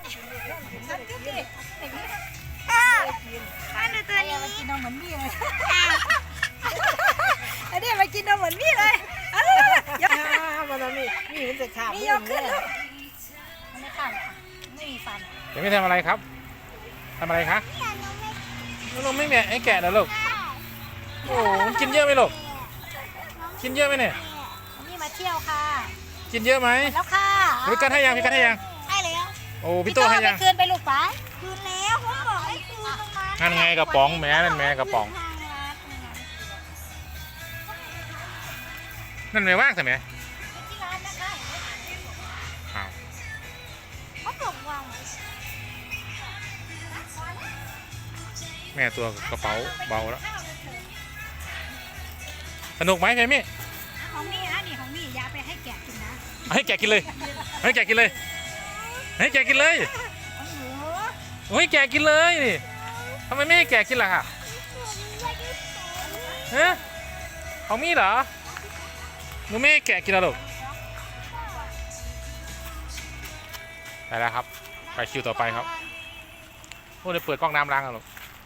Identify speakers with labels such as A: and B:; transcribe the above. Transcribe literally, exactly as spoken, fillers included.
A: นั่นก็ดิอย่างนี้
B: มาดูตัวนี้
A: มากินนมเหมือนมี่เลยอันนี้มากินนมเหมือนมี่เลยยก
C: มันมีมีมันจะขาด
A: มียกขึ้นลูกมันไม่ขาดค่ะไม่มีฟัน
D: เดี๋ยวไม่ทำอะไรครับทำอะไรคะนมไม่แม่ไอ้แกะเหรอลูกโอ้มันกินเยอะไหมลูกกินเยอะไหมเนี่ย
A: อันนี้มาเที่ยวค่ะ
D: กินเยอะไหม
A: แล้วค่ะ
D: พี่กันให้ยังพี่กันให้ยัง
B: ให้แล้ว
D: โอ้พี่โตให้ยัง
A: ไปคืนไปลูกไป
B: คืนแล้วผมบอกให้คืนตรงนั้น
D: นั่นไงกระป๋องแม่นั่นแม่กระป๋อง
B: ทางรัด
D: นั่นแม่ว่างใช่ไหม
A: ที่ร้านนะคะ
D: อ้าว
B: เขาบอกวางไว้
D: แม่ตัวกระเป๋าเบาแล้วสนุกไหมเพมี่
A: ของมี่นะนี่ของมี่อย่าไปให้แกะกินนะ
D: ให้แกะกินเลยให้แกะกินเลยให้แกะกินเลย
A: ของหนู
D: โอ้ยแกะกินเลยนี่ทำไมไม่ให้แกะกินล่ะค่ะฮะของมี่เหรอหนูไม่ให้แกะกินแล้วหรอไปแล้วครับไปคิวต่อไปครับโอ้เดี๋ยวเปิดกล้องน้ำล้างกันหรอ